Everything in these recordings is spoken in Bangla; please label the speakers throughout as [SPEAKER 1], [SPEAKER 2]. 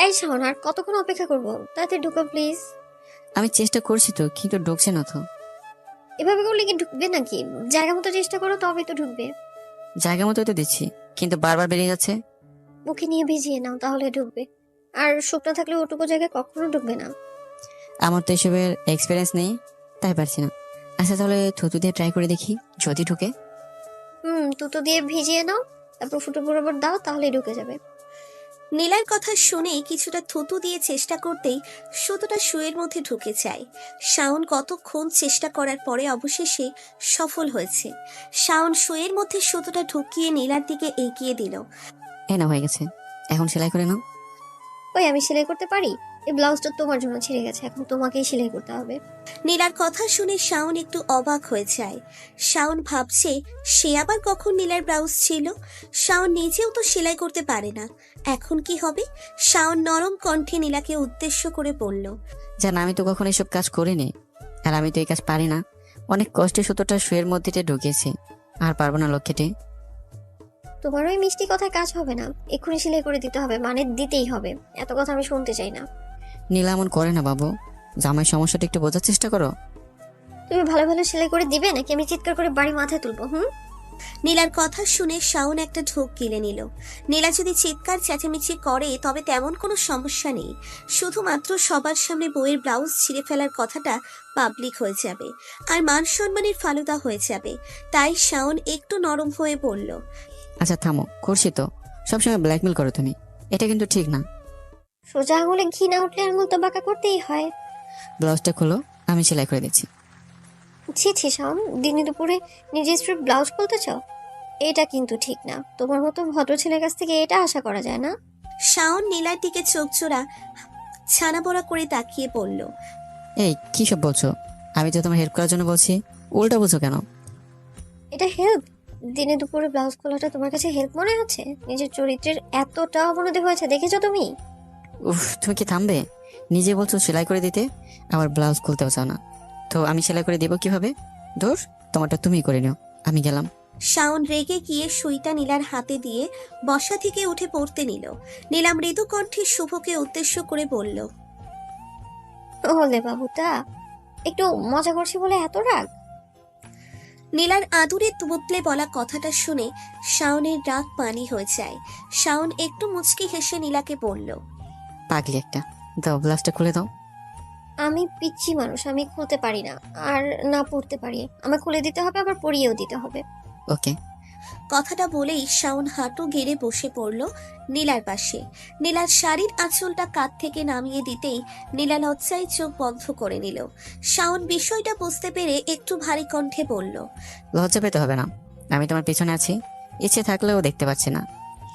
[SPEAKER 1] এই শাওন, আর কতক্ষণ অপেক্ষা করবো? তাড়াতাড়ি ঢুকো প্লিজ।
[SPEAKER 2] আমি চেষ্টা করছি তো, কিন্তু ঢুকছে না তো।
[SPEAKER 1] এভাবে করলে কি ঢুকবে নাকি? জায়গা মতো চেষ্টা করো, তবেই তো ঢুকবে।
[SPEAKER 2] জায়গা মতো তো দিচ্ছি, কিন্তু বারবার বেরিয়ে যাচ্ছে।
[SPEAKER 1] মুখে নিয়ে ভিজিয়ে নাও, তাহলে ঢুকবে। আর শুকনো থাকলে ওটুকু জায়গায় কখনো ঢুকবে না।
[SPEAKER 2] আমার তো এসবের এক্সপিরিয়েন্স নেই, তাই পারছি না। আচ্ছা তাহলে থুতু দিয়ে ট্রাই করে দেখি, যদি ঢুকে।
[SPEAKER 1] তুতো দিয়ে ভিজিয়ে নাও, তারপর ফুটো বরাবর দাও, তাহলেই ঢুকে যাবে।
[SPEAKER 3] নীলার কথা শুনে কিছুটা থুতু দিয়ে চেষ্টা করতেই সুতোটা শুয়ের মধ্যে ঢুকে যায়। শাওন কতক্ষণ চেষ্টা করার পরে অবশেষে সফল হয়েছে। শাওন শুয়ের মধ্যে সুতোটা ঢুকিয়ে নীলার দিকে এগিয়ে দিল।
[SPEAKER 2] এই না, হয়ে গেছে। এখন সেলাই করে নাও।
[SPEAKER 1] ওই, আমি সেলাই করতে পারি? এই ব্লাউজটা তোমার জন্য ছিঁড়ে গেছে, এখন তোমাকেই সেলাই করতে হবে।
[SPEAKER 3] নীলার কথা শুনে শাওন একটু অবাক হয়ে যায়। শাওন ভাবছে সে আবার কখন নীলার ব্লাউজ ছিল। শাওন নিজেও তো সেলাই করতে পারে না, এখন কি হবে? শাওন নরম কণ্ঠে নীলাকে উদ্দেশ্য করে বলল,
[SPEAKER 2] জান, আমি তো কখনো এসব কাজ করিনি, আর আমি তো এই কাজ পারি না। অনেক কষ্টে সুতোটা শুয়ের মধ্যে ঢুকিয়েছি, আর পারবো না লক্ষ্যেটে।
[SPEAKER 1] তোমার ওই মিষ্টি কথায় কাজ হবে না, এক্ষুনি সেলাই করে দিতে হবে, মানে দিতেই হবে। এত কথা আমি শুনতে চাই না।
[SPEAKER 2] নীলা এমন করে না বাবু, জামাই সমস্যাটা একটু বোঝার চেষ্টা করো।
[SPEAKER 1] তুমি ভালো ভালো সেলাই করে দিবে নাকি আমি চিৎকার করে বাড়ি মাথায় তুলবো?
[SPEAKER 3] নীলার কথা শুনে শাওন একটা ঢোক গিলে নিল। নীলা যদি চিৎকার চেঁচামেচি করে তবে তেমন কোনো সমস্যা নেই, শুধুমাত্র সবার সামনে বউয়ের ব্লাউজ ছিঁড়ে ফেলার কথাটা পাবলিক হয়ে যাবে, আর মান সম্মানের ফালুদা হয়ে যাবে। তাই শাওন একটু নরম হয়ে বলল,
[SPEAKER 2] আচ্ছা থামো, করছি তো। সবসময় ব্ল্যাকমেল করো তুমি, এটা কিন্তু ঠিক না।
[SPEAKER 1] সোজা আঙুলে ঘি না উঠলে আঙুল তো বাঁকা করতেই হয়।
[SPEAKER 2] ব্লাউজটা খোলো, আমি সেলাই করে দিচ্ছি।
[SPEAKER 1] ছি ছি শাওন, দিনে দুপুরে নিজের স্ত্রীর ব্লাউজ খুলতে চাও? এটা কিন্তু ঠিক না। তোমার মতো ভদ্র ছেলের কাছ থেকে এটা আশা করা যায় না।
[SPEAKER 3] শাওন নীলার দিকে চোখ জোড়া ছানা বড়া করে তাকিয়ে বলল,
[SPEAKER 2] এই কি সব বলছো? আমি তো তোমার হেল্প করার জন্য বলছি, উল্টা বলছো কেন?
[SPEAKER 1] এটা হেল্প? দিনে দুপুরে ব্লাউজ খোলাটা তোমার কাছে হেল্প মনে হচ্ছে? নিজের চরিত্রের এতটা অবনতি হয়েছে দেখেছো তুমি?
[SPEAKER 2] উফ, তুমি কি থামবে? নিজে বলছো সেলাই করে দিতে, আবার ব্লাউজ খুলতেও চাও না। তো আমি সেলাই করে দিব কিভাবে? ধর, তোমারটা তুমিই করে নিও, আমি গেলাম।
[SPEAKER 3] শাওন রেগে গিয়ে সুইটা নীলার হাতে দিয়ে বসা থেকে উঠে পড়তে নিল। নীলা মৃদু কণ্ঠে শুভকে উদ্দেশ্য করে বলল,
[SPEAKER 1] ওলে বাবুটা, একটু মজা করছি বলে এত রাগ?
[SPEAKER 3] নীলার আদুরে বদলে বলা কথাটা শুনে শাওনের রাগ পানি হয়ে যায়। শাওন একটু মুচকি হেসে নীলাকে বলল,
[SPEAKER 2] পাগলি একটা, দাও ব্লাউজটা খুলে দাও।
[SPEAKER 1] আমি পিচ্ছি মানুষ, আমি খুলতে পারি না। আর না পড়তে পারি, আমার খুলে দিতে হবে, আবার পরিয়েও দিতে হবে।
[SPEAKER 2] ওকে।
[SPEAKER 3] কথাটা বলেই শাওন হাঁটু গেড়ে বসে পড়ল নীলার পাশে। নীলার শাড়ির আঁচলটা কাঁধ থেকে নামিয়ে দিতেই নীলা লজ্জায় চোখ বন্ধ করে নিল। শাওন বিষয়টা বুঝতে পেরে একটু ভারী কণ্ঠে বলল,
[SPEAKER 2] লজ্জা পেতে হবে না, আমি তোমার পিছনে আছি, ইচ্ছে থাকলেও দেখতে পাচ্ছি না।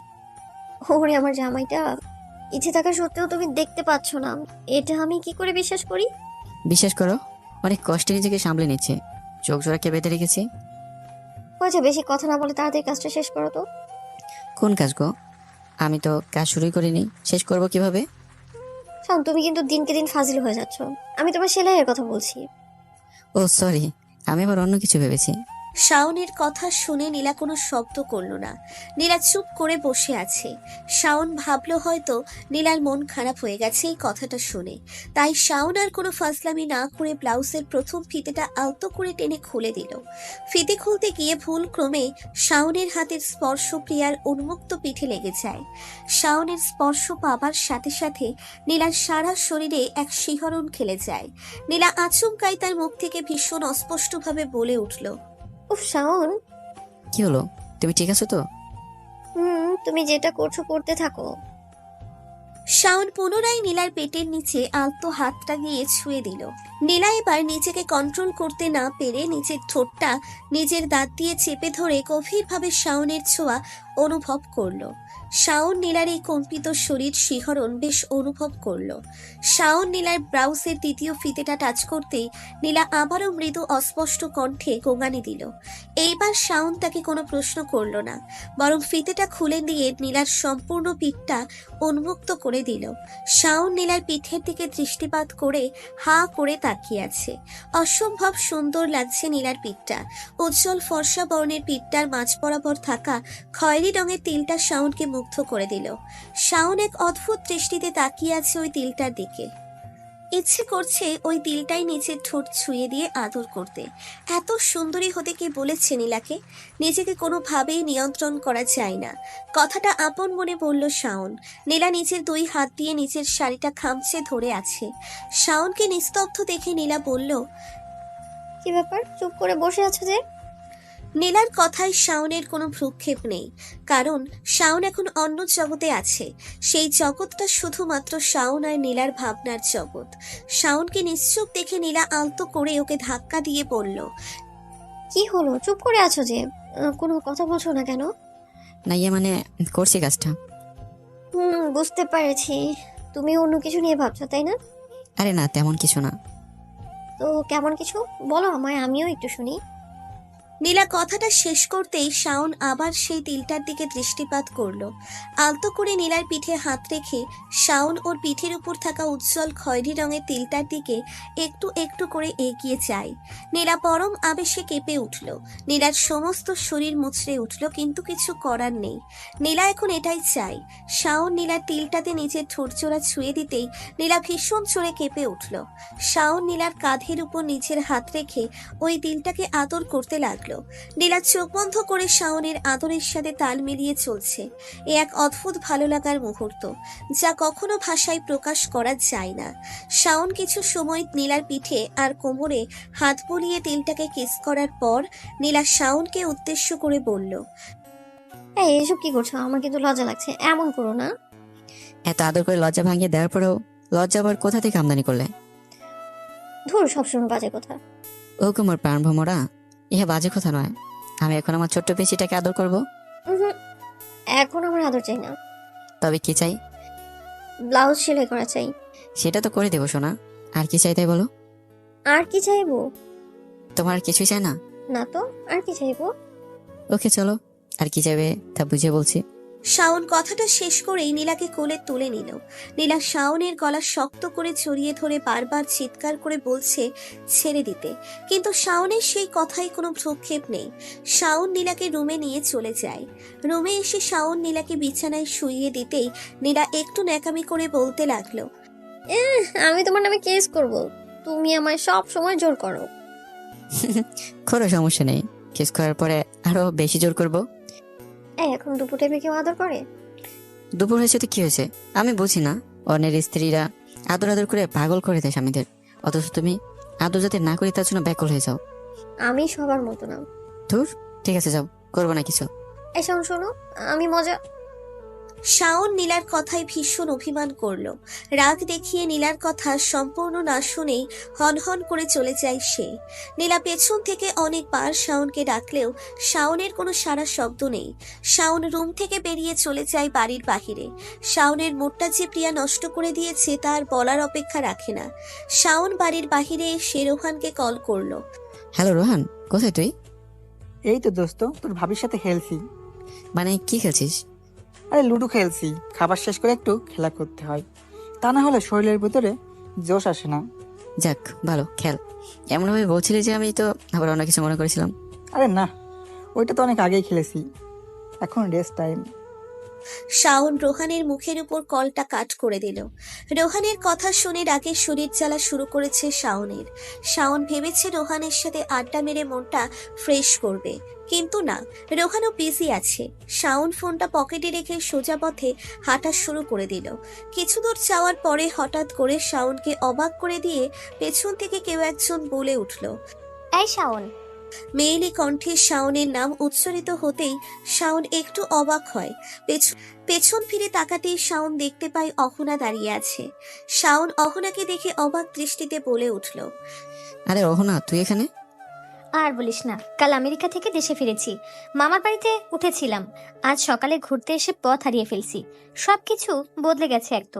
[SPEAKER 1] ওরে আমার জামাইটা, ইচ্ছে থাকা সত্ত্বেও তুমি দেখতে পাচ্ছ না, এটা আমি কি করে বিশ্বাস করি?
[SPEAKER 2] বিশ্বাস করো, অনেক কষ্টে নিজেকে সামলে নিচ্ছে, চোখ জোড়াকে বেঁধে রেখেছি।
[SPEAKER 1] হয়েছে, বেশি কথা না বলে তাড়াতাড়ি কাজটা শেষ করো তো।
[SPEAKER 2] কোন কাজ গো? আমি তো কাজ শুরুই করিনি, শেষ করব কিভাবে?
[SPEAKER 1] শোন, তুমি কিন্তু দিনকে দিন ফাজিল হয়ে যাচ্ছ। আমি তোমার সেলাইয়ের কথা বলছি।
[SPEAKER 2] ও সরি, আমি আবার অন্য কিছু ভেবেছি।
[SPEAKER 3] শাওনের কথা শুনে নীলা কোনো শব্দ করল না। নীলা চুপ করে বসে আছে। শাওন ভাবলো হয়তো নীলার মন খারাপ হয়ে গেছে এই কথাটা শুনে। তাই শাওন আর কোনো ফাজলামি না করে ব্লাউজের প্রথম ফিতেটা আলতো করে টেনে খুলে দিল। ফিতে খুলতে গিয়ে ভুল ক্রমে শাওনের হাতের স্পর্শ প্রিয়ার উন্মুক্ত পিঠে লেগে যায়। শাওনের স্পর্শ পাবার সাথে সাথে নীলার সারা শরীরে এক শিহরণ খেলে যায়। নীলা আচমকাই তার মুখ থেকে ভীষণ অস্পষ্টভাবে বলে উঠল,
[SPEAKER 1] উফ শাওন।
[SPEAKER 2] কি হলো, তুমি ঠিক আছো তো?
[SPEAKER 1] তুমি যেটা করছো করতে থাকো।
[SPEAKER 3] শাওন পুনরায় নীলার পেটের নিচে আলতো হাতটা গিয়ে ছুঁয়ে দিল। নীলা এবার নিজেকে কন্ট্রোল করতে না পেরে নিজের ঠোঁটটা নিজের দাঁত দিয়ে চেপে ধরে গভীরভাবে শাওনের ছোঁয়া অনুভব করলো। শাওন নীলার এই কম্পিত শরীর শিহরণ বেশ অনুভব করলো। শাওন নীলার ব্লাউজের দ্বিতীয় ফিতেটা টাচ করতেই নীলা আবারও মৃদু অস্পষ্ট কণ্ঠে গোঙানি দিল। এইবার শাওন তাকে কোনো প্রশ্ন করলো না, বরং ফিতেটা খুলে দিয়ে নীলার সম্পূর্ণ পিঠটা উন্মুক্ত করে দিল। শাওন নীলার পিঠের দিকে দৃষ্টিপাত করে হা করে তাকিয়ে আছে। অসম্ভব সুন্দর লাগছে নীলার পিঠটা। উজ্জ্বল ফর্সা বর্ণের পিঠটার মাঝ বরাবর থাকা খয়েরি রঙের তিলটা শাওনকে মুগ্ধ করে দিল। শাওন এক অদ্ভুত দৃষ্টিতে তাকিয়ে আছে ওই তিলটার দিকে। ইচ্ছে করছে ওই তিলটাই নিচের ঠোঁট ছুঁয়ে দিয়ে আদর করতে। এত সুন্দরী হতে কে বলেছে নীলাকে? নিজেকে কোনোভাবেই নিয়ন্ত্রণ করা যায় না। কথাটা আপন মনে বলল শাওন। নীলা নিচের দুই হাত দিয়ে নিচের শাড়িটা খামচে ধরে আছে। শাওনকে নিস্তব্ধ দেখে নীলা বলল,
[SPEAKER 1] কি ব্যাপার, চুপ করে বসে আছো যে?
[SPEAKER 3] নীলার কথায় শাওনের কোনো ভ্রুক্ষেপ নেই, কারণ শাওন এখন অন্য জগতে আছে। সেই জগৎটা শুধুমাত্র শাওন আর নীলার ভাবনার জগৎ। শাওনকে নিশ্চুপ দেখে নীলা আলতো করে ওকে ধাক্কা দিয়ে বলল,
[SPEAKER 1] কি হলো, চুপ করে আছো যে? কোনো কথা বলছো না কেন?
[SPEAKER 2] না ইয়ে মানে করছি কাজটা।
[SPEAKER 1] বুঝতে পেরেছি। তুমি অন্য কিছু নিয়ে ভাবছো, তাই না?
[SPEAKER 2] আরে না, তেমন কিছু না।
[SPEAKER 1] তো কেমন কিছু বলো আমায়, আমিও একটু শুনি।
[SPEAKER 3] নীলা কথাটা শেষ করতেই শাওন আবার সেই তিলটার দিকে দৃষ্টিপাত করলো। আলতো করে নীলার পিঠে হাত রেখে শাওন ওর পিঠের উপর থাকা উজ্জ্বল খয়েরি রঙের তিলটার দিকে একটু একটু করে এগিয়ে যায়। নীলা পরম আবেশে কেঁপে উঠল। নীলার সমস্ত শরীর মুচড়ে উঠল, কিন্তু কিছু করার নেই। নীলা এখন এটাই চাই। শাওন নীলার তিলটাতে নিজের ঠোঁটজোড়া ছুঁয়ে দিতেই নীলা ভীষণ জোরে কেঁপে উঠল। শাওন নীলার কাঁধের উপর নিজের হাত রেখে ওই তিলটাকে আদর করতে লাগলো। নীলা চোখ বন্ধ করে শাওনের আদরের সাথে তাল মিলিয়ে চলছে। এ এক অদ্ভুত ভালো লাগার মুহূর্ত, যা কখনো ভাষায় প্রকাশ করা যায় না। শাওন কিছু সময় নীলার পিঠে আর কোমরে হাত বুলিয়ে তিলটাকে কিস করার পর নীলা শাওনকে উদ্দেশ্য করে বলল,
[SPEAKER 1] এই এসব কি করছো? আমার কিন্তু লজ্জা লাগছে, এমন করো না।
[SPEAKER 2] এত আদর করে লজ্জা ভাঙিয়ে দেওয়ার পরেও লজ্জা আবার কোথা থেকে আমদানি করলে?
[SPEAKER 1] ধুর, সবসময় বাজে কথা।
[SPEAKER 2] ও কুমার প্রাণ ভ্রমরা, ইহা বাজে কথা নয়। আমি এখন আমার ছোট্ট পেশিটাকে আদর করব।
[SPEAKER 1] উহুম, এখন আমার আদর চাই না।
[SPEAKER 2] তবে কি চাই?
[SPEAKER 1] ব্লাউজ সেলাই করা চাই।
[SPEAKER 2] সেটা তো করে দেবো সোনা। আর কি চাই তাই বলো।
[SPEAKER 1] আর কি চাইবো?
[SPEAKER 2] তোমার আর কিছুই চাই না?
[SPEAKER 1] না তো, আর কি চাইবো?
[SPEAKER 2] ওকে চলো, আর কি চাইবে তা বুঝে বলছি।
[SPEAKER 3] শাওন কথাটা শেষ করেই নীলাকে কোলে তুলে নিল। নীলা শাওনের গলা শক্ত করে জড়িয়ে ধরে বারবার চিৎকার করে বলছে ছেড়ে দিতে, কিন্তু শাওনের সেই কথায় কোনো ভ্রুক্ষেপ নেই। শাওন নীলাকে রুমে নিয়ে চলে যায়। রুমে এসে শাওন নীলাকে বিছানায় শুইয়ে দিতেই নীলা একটু ন্যাকামি করে বলতে লাগলো,
[SPEAKER 1] আমি তোমার নামে কেস করব। তুমি আমায় সব সময় জোর করো।
[SPEAKER 2] কোনো সমস্যা নেই, কিস করার পরে আরো বেশি জোর করব।
[SPEAKER 1] এই এখন দুপুর টাইমে কেউ আদর করে?
[SPEAKER 2] দুপুর হয়েছে তো কি হয়েছে? আমি বুঝি না, অন্যের স্ত্রীরা আদর আদর করে পাগল করে দেয় স্বামীদের, অথচ তুমি আদর যাতে না করি তার জন্য ব্যাকুল হয়ে যাও।
[SPEAKER 1] আমি সবার মতো না।
[SPEAKER 2] ধুর, ঠিক আছে যাও, করবো না কিছু।
[SPEAKER 1] এই শোনো শোনো, আমি মজা।
[SPEAKER 3] শাওন নীলার কথায় ভীষণ অভিমান করলো। রাগ দেখিয়ে নীলার কথা সম্পূর্ণ না শুনেই হনহন করে চলে যায় সে। নীলা পেছন থেকে অনেকবার শাওনকে ডাকলেও শাওনের কোনো সাড়া শব্দ নেই। শাওন রুম থেকে বেরিয়ে চলে যায় বাড়ির বাহিরে। শাওনের মুডটা যে প্রিয়া নষ্ট করে দিয়েছে তার বলার অপেক্ষা রাখে না। শাওন বাড়ির বাহিরে এসে রোহানকে কল করলো।
[SPEAKER 2] হ্যালো রোহান, কোথায় তুই?
[SPEAKER 4] এই তো দোস্ত, তোর ভাবির সাথে খেলছি।
[SPEAKER 2] মানে কি খেলছিস?
[SPEAKER 4] আরে লুডো খেলছি, খাবার শেষ করে একটু খেলা করতে হয়, তা না হলে শরীরের ভিতরে জোশ আসে না।
[SPEAKER 2] যাক ভালো, খেল। এমনভাবে বলছিলি যে আমি তো আবার অন্য কিছু মনে করেছিলাম।
[SPEAKER 4] আরে না, ওইটা তো অনেক আগেই খেলেছি, এখন রেস্ট টাইম।
[SPEAKER 3] শাওন রোহানের মুখের উপর কলটা কাট করে দিল। রোহানের কথা শুনে রাগের শরীর জ্বালা শুরু করেছে শাওনের। শাওন ভেবেছে রোহানের সাথে আড্ডা মেরে মনটা ফ্রেশ করবে, কিন্তু না, রোহানও বিজি আছে। শাওন ফোনটা পকেটে রেখে সোজা পথে হাঁটা শুরু করে দিল। কিছু দূর যাওয়ার পরে হঠাৎ করে শাওনকে অবাক করে দিয়ে পেছন থেকে কেউ একজন বলে উঠল।
[SPEAKER 1] এই শাওন।
[SPEAKER 3] মেয়েলি কণ্ঠে শাওনের নাম উচ্চারিত হতেই শাওন একটু অবাক হয়। পেছন ফিরে তাকাতেই শাওন দেখতে পায় অহনা দাঁড়িয়ে আছে। শাওন অহনাকে দেখে অবাক দৃষ্টিতে বলে উঠল,
[SPEAKER 2] আরে রোহনা, তুই এখানে?
[SPEAKER 5] আর বলিস না, কাল আমেরিকা থেকে দেশে ফিরেছি। মামার বাড়িতে উঠেছিলাম, আজ সকালে ঘুরতে এসে পথ হারিয়ে ফেলছি। সবকিছু বদলে গেছে একদম।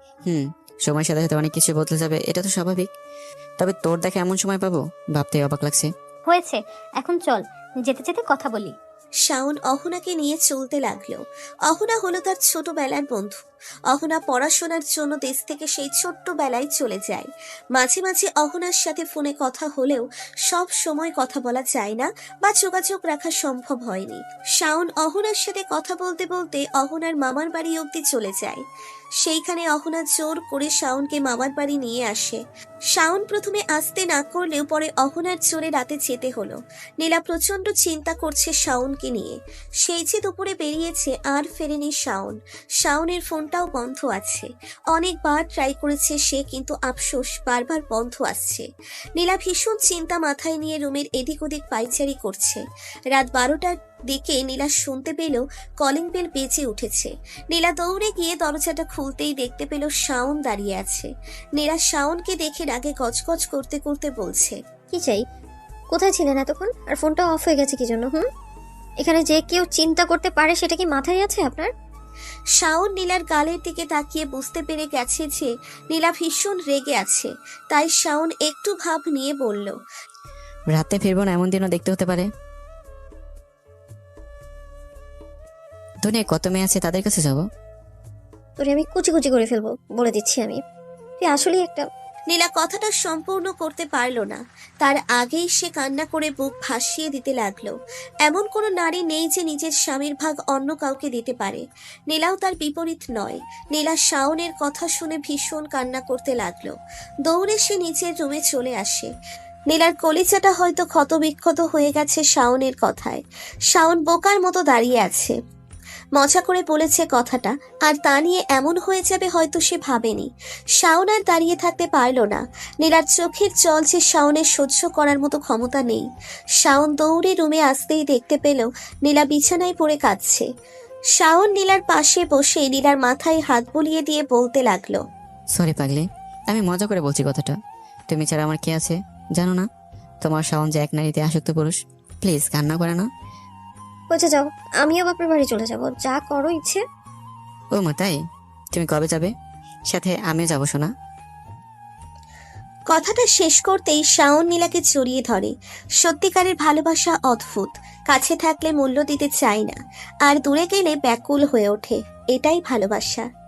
[SPEAKER 2] সময়ের সাথে সাথে অনেক কিছু বদলে যাবে, এটা তো স্বাভাবিক। তবে তোর দেখে এমন সময় পাবো ভাবতে অবাক লাগছে।
[SPEAKER 5] হয়েছে, এখন চল যেতে যেতে কথা বলি।
[SPEAKER 3] শাওন অহনাকে নিয়ে চলতে লাগলো। অহনা হলো তার ছোটবেলার বন্ধু। অহনা পড়াশোনার জন্য দেশ থেকে সেই ছোট্টবেলায় চলে যায়। মাঝে মাঝে অহনার সাথে ফোনে কথা হলেও সব সময় কথা বলা যায় না বা যোগাযোগ রাখা সম্ভব হয়নি। শাওন অহনার সাথে কথা বলতে বলতে অহনার মামার বাড়ি অবধি চলে যায়। সেইখানে অহনা জোর করে শাওনকে মামার বাড়ি নিয়ে আসে। শাওন প্রথমে আসতে না করলেও পরে অহনার জোরে রাতে যেতে হলো। নীলা প্রচন্ড চিন্তা করছে শাওনকে নিয়ে। সেই যে দুপুরে বেরিয়েছে আর ফেরেনি শাওন। শাওনের ফোনটাও বন্ধ আছে। অনেকবার ট্রাই করেছে সে, কিন্তু আফসোস বারবার বন্ধ আসছে। নীলা ভীষণ চিন্তা মাথায় নিয়ে রুমের এদিক ওদিক পাইচারি করছে। রাত 12টার দিকে নীলা শুনতে পেল কলিং বেল বেজে উঠেছে। নীলা দৌড়ে গিয়ে দরজাটা খুলতেই দেখতে পেল শাওন দাঁড়িয়ে আছে। নীলা শাওনকে দেখে রাগে গজগজ করতে করতে বলছে,
[SPEAKER 1] কি চাই? কোথায় ছিলেন এতক্ষণ? আর ফোনটা অফ হয়ে গেছে কি জন্য? এখানে যে কেউ চিন্তা করতে পারে সেটা কি মাথায় আছে আপনার?
[SPEAKER 3] শাওন নীলার গালের দিকে তাকিয়ে বুঝতে পেরে গেছে যে নীলা ভীষণ রেগে আছে। তাই শাওন একটু ভাব নিয়ে বলল,
[SPEAKER 2] রাতে ফিরবো না এমন দিনও দেখতে হতে পারে। দুনিয়ায় কত মেয়ে আছে, তাদের কাছে যাবো?
[SPEAKER 1] তোরে আমি কুচি কুচি করে ফেলবো, বলে দিচ্ছি আমি। তুই আসলেই একটা...
[SPEAKER 3] নীলা কথাটা সম্পূর্ণ করতে পারল না। তার আগেই সে কান্না করে বুক ভাসিয়ে দিতে লাগলো। এমন কোনো নারী নেই যে নিজের স্বামীর ভাগ অন্য কাউকে দিতে পারে। নীলাও তার বিপরীত নয়। নীলা শাওনের কথা শুনে ভীষণ কান্না করতে লাগলো। দৌড়ে সে নিচের রুমে চলে আসে। নীলার কলিজাটা হয়তো ক্ষতবিক্ষত হয়ে গেছে শাওনের কথায়। শাওন বোকার মতো দাঁড়িয়ে আছে। মজা করে বলেছে কথাটা, আর তা নিয়ে এমন হয়ে যাবে হয়তো সে ভাবেনি। শাওন আর দাঁড়িয়ে থাকতে পারল না। নীলার চোখের জল যে শাওনের সহ্য করার মতো ক্ষমতা নেই। শাওন দৌড়ে রুমে আসতেই দেখতে পেল নীলা বিছানায় পড়ে কাঁদছে। শাওন নীলার পাশে বসে নীলার মাথায় হাত বুলিয়ে দিয়ে বলতে লাগলো,
[SPEAKER 2] সরি পাগলি, আমি মজা করে বলছি কথাটা। তুমি ছাড়া আমার কে আছে জানো না? তোমার শাওন যে এক নারীতে আসক্ত পুরুষ। প্লিজ কান্না করে না।
[SPEAKER 1] বলছে যাও, আমিও বাপের বাড়ি চলে যাব, যা করো ইচ্ছে।
[SPEAKER 2] ও মা তাই? তুমি কবে যাবে? সাথে আমিও যাবো শোনা।
[SPEAKER 3] কথাটা শেষ করতেই শাওন নীলাকে জড়িয়ে ধরে। সত্যিকারের ভালোবাসা অদ্ভুত। কাছে থাকলে মূল্য দিতে চায় না, আর দূরে গেলে ব্যাকুল হয়ে ওঠে। এটাই ভালোবাসা।